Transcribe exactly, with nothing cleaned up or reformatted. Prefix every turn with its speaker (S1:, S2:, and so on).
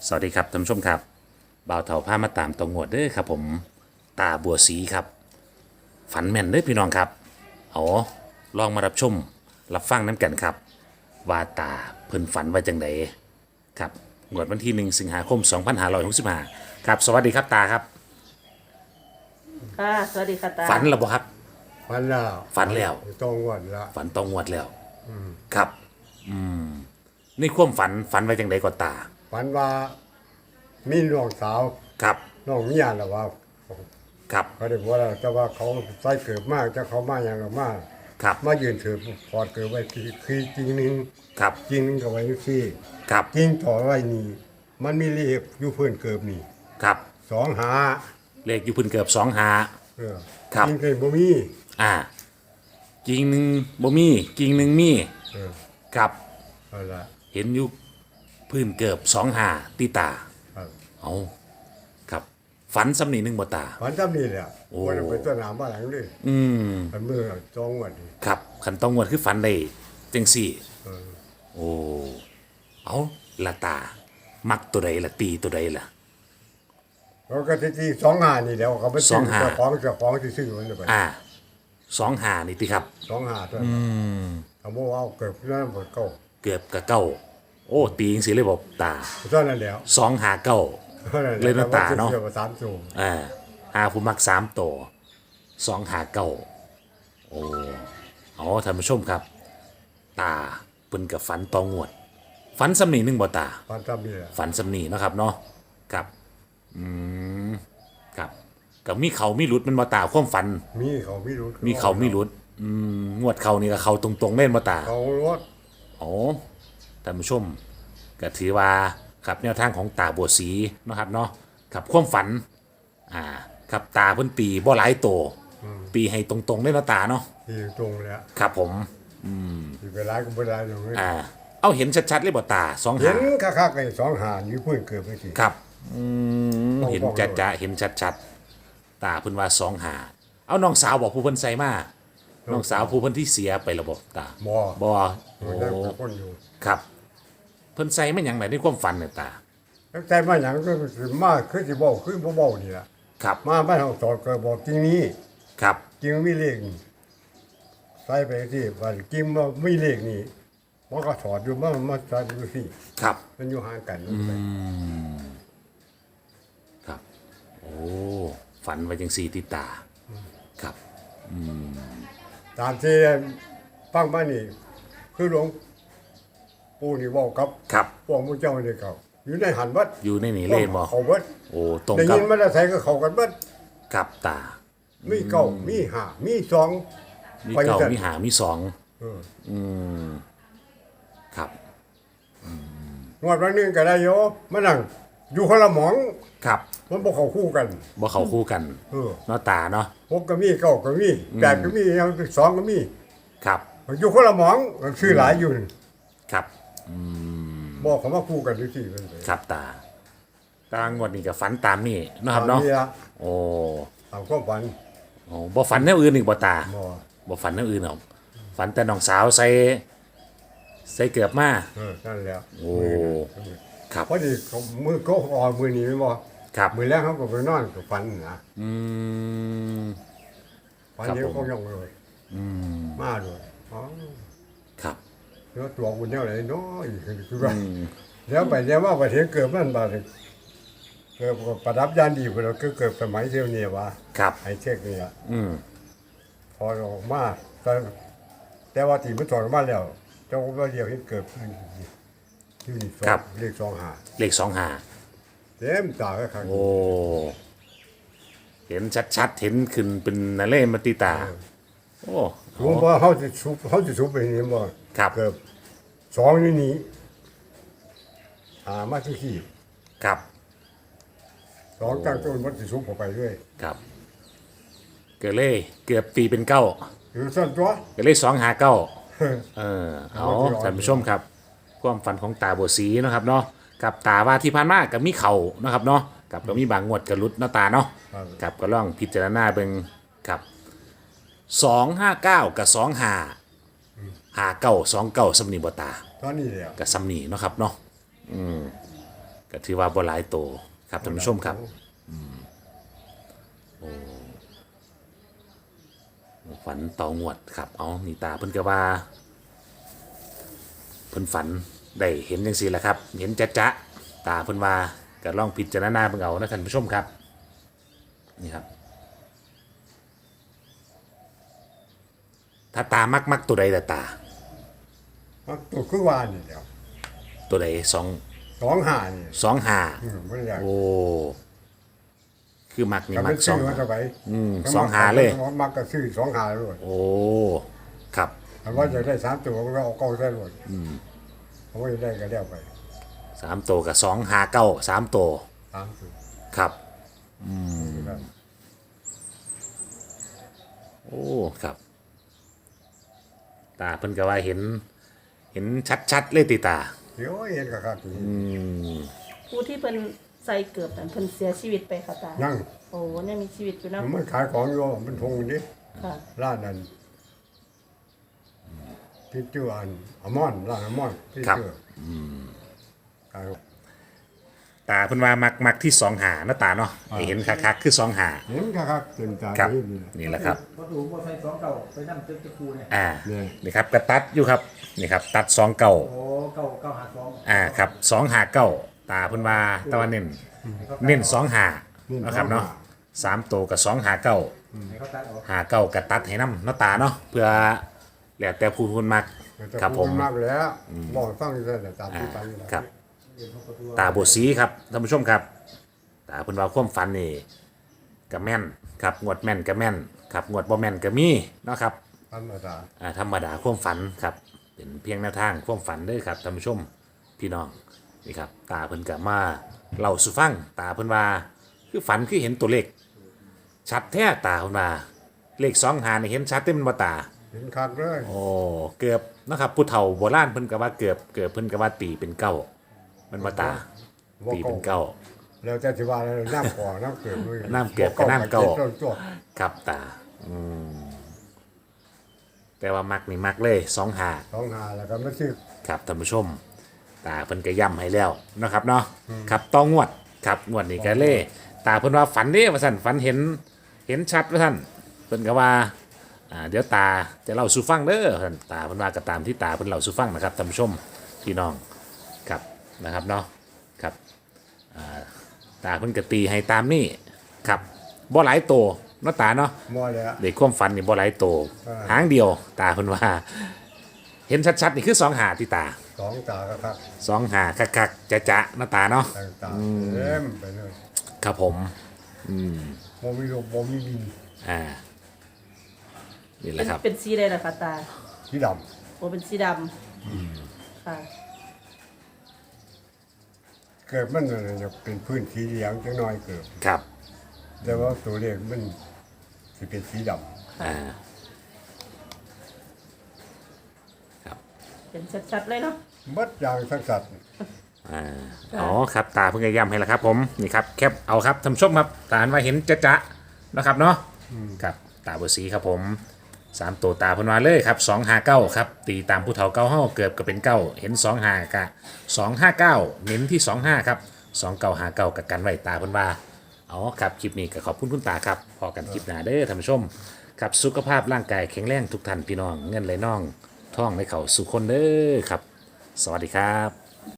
S1: สวัสดีครับท่านผู้ชมครับบ่าวเถาผ้ามาตามตองวดเด้อครับผมตาบัวสีครับฝันแม่นเด้อพี่น้องครับเอาลองมารับชมรับฟังน้ำกันครับว่าตาเพิ่นฝันว่าจังไดครับงวดวันที่หนึ่งสิงหาคมสองพันห้าร้อยหกสิบห้าครับสวัสดีครับตาครับ
S2: ค่ะสวัสดีค่ะตา
S1: ฝันแล้วบ่ครับ
S3: ฝันแล้ว
S1: ฝันแล้ว
S3: ตรงวันละ
S1: ฝันตองงวดแล้วครับอืมในความฝันฝันว่าจังไดก็ตา
S3: ฝันว่ามีน้องสาว
S1: ครับ
S3: น้องเมียแล้วว่า
S1: ครับ
S3: เขาได้บอกว่าแต่ว่าเขาใส่เกิดมากจะเขามาอย่างละมาก
S1: ครับ
S3: มายืนถือพอดเกิดไว้คือคือจริงหนึง
S1: ครับ
S3: จริงหนึงก็ไว้ที่
S1: ครับ
S3: จริงต่อไว้นี่มันมีเลขอยู่เพื่อนเกิดนี่
S1: ครับ
S3: สองหา
S1: เลขอยู่เพื้นเกือบสองหา
S3: เออ
S1: ครับ
S3: จริงเคยบ่มี
S1: อ่ากิ่งหนึ่งบ่มีกิ่งหนึ่งมี
S3: เออ
S1: ครับ
S3: เอาละ
S1: เห็นอยู่พื้นเกือบสองหาตีตา
S3: ครับ
S1: เอาครับฝันสำนีหนึ่งบ่ตา
S3: ฝันจำนี่แหละ
S1: โอ้
S3: วันนั้นไปต้นน้ำบ้านหลังนี้
S1: อืม
S3: มันเมื่อจองวันนี้
S1: ครับขันต้องงวดคือฝันได้จังสี่
S3: เออ
S1: โอ้เอาละตา มักตัวใดละตีตัวใดละ
S3: เขาก็ที่ที่สองหานี่แล้วเขาไป
S1: สองหา
S3: เจ้าของเจ้าของที่ซื้อมันไป
S1: อ่าสองหานี่ติครับ
S3: สองหาตัวนั้นเขาบอกว่าเอาเกิดนั่นหมดเก่า
S1: เกือบกับเก้าโอ้ตีจังสิเลยบอกตา
S3: เท่านั้นแล้ว
S1: สองหาเก้า
S3: ท่นั้นแห
S1: เล่นน้ำตาเนาะ
S3: เกี่ยวกับสามสูง
S1: อ่าหาผู้มักสามตัวสองหาเก้าโอ้อ๋อท่านผู้ชมครับ ตาเพิ่นกับฝันตองวด ฝันสำนีหนึ่งบ่ตา
S3: ฟันจำนี่แหละ
S1: ฝันสำนีเนาะครับเนาะครับอืมครับกับมีเขามีหลุดมันบ่ตาความฝัน
S3: มีเขาไม่รู้
S1: มีเขามีหลุดอืมงวดเขานี่ก็เขาตรงๆเล่นบ่ตา
S3: เขารถ
S1: โอ้ท่านผู้ชมก็ถือว่าครับแนวทางของตาบัวสีเนาะครับเนาะครับความฝันอ่าครับตาเพิ่นตีบ่หลายโตตีให้ตรงๆได้เนาะตาเนาะ
S3: ที่ตรงแล้ว
S1: ครับผม
S3: ที่เวลาก็เวลาอย่างนี้
S1: อ่าเอาเห็นชัดๆเลยบ่ตาสอง
S3: เห็
S1: หาน
S3: คักๆไอ้สองหานี่เพื่อนเกิดไปสิ
S1: ครับอืม
S3: ต้อง
S1: เห็น
S3: บอก
S1: จั
S3: เลย
S1: ดๆเห็นชัดๆตาเพิ่นว่าสองหาเอาน้องสาวบอกผู้เพิ่นใส่มาน้องสาวผู้เพิ่นที่เสียไประบบตา
S3: บ่
S1: บ่
S3: โอ้
S1: โอ้
S3: ได้กับคนอยู่
S1: ครับเพิ่นใส่มาหยังไหนในความฝันเนี่ยตา
S3: ตั้งแต่มาอย่างก็คือมาคือสิบอกคือบ่บอกนี่ล่ะ
S1: ครับ
S3: มาบ้านเฮาสอนก็บอกจริงนี้
S1: ครับ
S3: จริงมีเลขนี่ใส่ไปที่ว่าจริงว่ามีเลขนี่มันก็สอนอยู่มันมันสอนอยู่สิ
S1: ครับ
S3: มันอยู่ห่างกัน
S1: ครับ โอ้ ฝันไว้จังสีติตา ครับ
S3: ตามที่ฟังมานี่ คือหลวงปู่นี่บอกกับ
S1: ครับ
S3: พวกมุเจ้านี่เขาอยู่ในหันวัด
S1: อยู่ในนี่เล่นบ่
S3: เขาวัด
S1: โอ้ ตรง
S3: ได้
S1: กับ
S3: ยินมาแล้วใส่ก็เขากันวัด
S1: กับตา
S3: มีเก้ามีห้ามีสอง
S1: มี
S3: ไป
S1: เก่า
S3: จัง
S1: มีหา มีสอง
S3: เออ
S1: อืม ครับ
S3: งวดวันหนึงก็ได้โยมานั่งอยู่คนละหมอง
S1: ครับ
S3: มันบ่เข้าคู่กัน
S1: บ่เข้าคู่กัน
S3: เออ
S1: เนาะตาเนาะ
S3: หกก็มีเก้าก็มีแปดก็มียังสองก็มี
S1: ครับ
S3: อยู่คนละหมองชื่อหลายอยู่นี่
S1: ครับ
S3: บอกเขามาคู่กันอยู่ที่มันไป
S1: ครับตา ตางวดนี้ก็ฝันตามนี่เนาะครับเนาะ
S3: ละ
S1: โอ้
S3: ตามความฝัน
S1: โอ้บ่ฝันแนวอื่นอีกบ่ตา
S3: บ่
S1: บ่ฝันแนวอื่นหรอกฝันแต่น้องสาวใส่ใส่เกือบมา
S3: เออนั่นแหละ
S1: โอ้ ครับ
S3: พอดีเขามือก็ออกมือนี้ไม่บ่
S1: ครับ
S3: มือแรกเขาก็ไปนอนกับฝันนะ
S1: อืม
S3: ฝัน
S1: ครับ
S3: เดียว
S1: ผม
S3: เขาย่องเลย
S1: อืม
S3: มาด้วยอ๋อ
S1: ครับ
S3: แล้วตัวคุณเนี่ยอะไรเนาะอีกคือว่าเดี๋ยวไปเดี๋ยวว่าประเทศเกิดมันบาดนี้เกิดประดับยานดีพุ่นแล้วก็เกิดสมัยเที่ยวนี้ว่า
S1: ครับ
S3: ไอ้เช็คนี่อ่ะ
S1: อืม
S3: พอออกมาแต่แต่ว่าที่มันถอดออกมาแล้วเจ้าก็เดียวเห็นเกิดขึ้นที่นี่สองเลขสองหา
S1: เลขสองหา
S3: เต็มตาแล้วครับ
S1: โอ้ เห็นชัดๆ เห็นขึ้นเป็นนาเล่มาติตา โอ้
S3: รู้ว่าเขาจะชุบเขาจะชุบไปนี่บ่
S1: ครับ
S3: เกิดสองนี่นี้หามาที่ขี้
S1: ครับ
S3: สองตั้งต้นมันจะชุบเข้าไปเรื่อย
S1: ครับ เกิดเล่เกือบตีเป็นเก้า
S3: อยู่สั้นตัว
S1: เกิดเล่สองหาเก้า เออ เอา
S3: เอาที่ร้อย
S1: ท่านผู้ชมครับ ความฝันของตาบัวสีเนาะครับเนาะ กับตาว่าที่ผ่านมากับมีเข่าเนาะครับเนาะ กับก็มีบางงวดกับรุดเนาะตาเนาะ
S3: ครับ
S1: กับก็ล่องพิจารณาเบิ่งครับสองห้าเก้ากับสองหาหาเก้าสองเก้าสำนีบตา
S3: ตอนนี้แล้ว
S1: กับสำนีเนาะครับเนาะอืมก็ถือว่าบ่หลายโตครับท่านผู้ชมครับฝันต่องวดครับเอานี่ตาเพิ่นก็ว่าเพิ่นฝันได้เห็นจังซี่แหละครับ เห็นจ๊ะๆตาเพิ่นว่าก็ลองพิจารณาเบิ่งเอานะท่านผู้ชมครับนี่ครับ ถ้าตามักมักตัวใดแต่ตา
S3: มักตัวคือวานนี่แหล้ว
S1: ตัวใดสอง
S3: สองหานี่
S1: สองหา
S3: อืมบ่ได้อยาก
S1: โอ้คือมักนี่
S3: ก็
S1: มั
S3: ไม่
S1: กส
S3: ซื้
S1: อ
S3: อง มาเท่าไหร่
S1: อืมสองหาเลย
S3: มักก็ซื้อสองหาเลย
S1: โอ้ครับ
S3: ถ้าว่าจะได้สามตัวก็เอาเก้าได้เลยอืมเพราะว่าจะได้ก็แล้วไป
S1: สามตัวกับสองหาเก้าสามตัว
S3: สามตัว
S1: ครับ
S3: ครับ
S1: โอ้ครับ ตาเพิ่นก็ว่าเห็น เห็นชัดๆเลยติตา
S3: เดี๋ยวเห็นก็ครับนี่
S2: ผู้ที่เพิ่นใส่เกือบนั้นเพิ่นเสียชีวิตไปค่ะตา
S3: ยัง
S2: โอ้เนี่ยมีชีวิตอยู่นะ
S3: มันขายของอยู่มันทงอยู่นี่
S2: ค่ะ
S3: ร้านนั้นพี่เจืออันอมอนร้านอมอนพี่
S1: ครับ
S3: เจือขาย
S1: ตาเพิ่นว่ามักมักที่สองหาเนาะตาเนาะให้เห็นคักๆคือสองหา
S3: เห็นก็ครับเต็มตา
S1: ครับ
S3: ที่นี่
S1: นี่แหละครับ
S4: พอถูกพอใส่สองเก่าไปนั่งเจ็บจะคูเนี่ย
S1: อ่า
S3: เนี่ย
S1: นี่ครับกระตัดอยู่ครับนี่ครับ ตัดสองเก่า
S4: โอ้เก่าเก่าหาสอง
S1: อ่าครับสองหาเก้าตาเพิ่นว่าตะวันเน้นเน้นสองหานะครับเนาะสามตัวกับสองหาเก้า
S4: ให้เขาตัดออก
S1: หาเก้ากระตัดให้น้ำเนาะตาเนาะเพื่อแล้วแต่ผู้คนมัก
S3: แต่
S1: ครับผม
S3: มากแล้วบอกฟังอยู่แต่ตามที่ฟังอยู่แล้ว
S1: ครับ ตาบทสีครับท่านผู้ชมครับ ตาเพิ่นว่าความฝันนี่ก็แม่นครับงวดแม่นก็แม่นครับงวดบ่แม่นก็มีเนาะครับ
S3: ธรรมดา
S1: อ่าธรรมดาความฝันครับเป็นเพียงแนวทางความฝันเด้อครับท่านผู้ชมพี่น้องนี่ครับตาเพิ่นก็มาเล่าสู่ฟังตาเพิ่นว่าคือฝันคือเห็นตัวเลขชัดแท้ตาเพิ่นว่าเลขสองหานี่เห็นชัดเต็มบ่ตา
S3: เห็นคักเลย
S1: โอ้เกือบนะครับผู้เฒ่าโบราณเพิ่นก็ว่าเกือบเกือบเพิ่นก็ว่าตีเป็นเก้ามันบ่ตาตีเป็นเก้า
S3: แล้วจะสิว่าอะไรน้ำก่อน้ำเกลือด้วย
S1: น้ำเกลือกับน้ำเก่า
S3: ต้นตัว
S1: ครับตาอืมแต่ว่ามักนี่มักเลยสองหา
S3: สองหาแล้วก็ไม่ซื้อ
S1: ครับท่านผู้ชม ตาเพิ่นก็ย้ำให้แล้วนะครับเนาะครับต้องงวดครับงวดนี้ก็เล่ตาเพิ่นว่าฝันเด้ว่าซั่นฝันเห็นเห็นชัดว่าซั่นเพิ่นก็ว่าอ่าเดี๋ยวตาจะเล่าสู่ฟังเด้อว่าซั่นตาเพิ่นว่าก็ตามที่ตาเพิ่นเล่าสู่ฟังนะครับท่านผู้ชมพี่น้องครับนะครับเนาะครับอ่าตาเพิ่นก็ตีให้ตามนี่ครับบ่หลายโตเนาะตาเนาะ
S3: มอแล้ว
S1: เด็กความฝันนี่บ่หลายโต
S3: อ่า
S1: หางเดียว ตาเพิ่นว่า เห็นชัดๆนี่คือสองหาที่ตา
S3: สองตาก็ครับ
S1: สองหาคักๆจะๆหน้าตาเนาะ
S3: ต่างตาเต็มไปเลย
S1: ครับผม
S3: โมมีลมโมมีดิน
S1: อ่านี่แห
S2: เป็
S1: ละ
S2: น
S1: ครับ
S2: เป็นสีใดล่ะคะตา
S3: ที่ด
S2: โอ้เป็นสีดำค่ะ
S3: ำเกิดมันน่ะจะเป็นพื้นสีเหลืองจังน้อยเกิด
S1: ครับ
S3: แต่ว่าตัวเลขมันสิเป็นสีด
S1: อ่า
S2: เป็นชัดๆเลยเนาะ
S3: ำบัดอย่างทั้งสัตว์
S1: อ่าอ๋อครับตาเพิ่งจะย้ำให้แล้วครับ ผมนี่ครับแคปเอาครับท่านผู้ชมครับตาหันว่าเห็นจะๆนะครับเนาะครับตาเบอร์สีครับผมสามตัวตาเพิ่นว่าเลยครับสองห้าเก้าครับตีตามผู้เฒ่าเก้าห้าเกือบก็เป็นเก้าเห็นสองห้ากะสองห้าเก้าเน้นที่สองห้าครับสองเก้าห้าเก้ากับกันไว้ตาเพิ่นว่าอ๋อครับคลิปนี้ก็ขอบคุณคุณตาครับพอกันคลิปหน้าเด้อท่านผู้ชมครับสุขภาพร่างกายแข็งแรงทุกท่านพี่น้องเงินไหลน่องท่องไหลเข่าสุขคนเด้อครับ สวัสดีครับ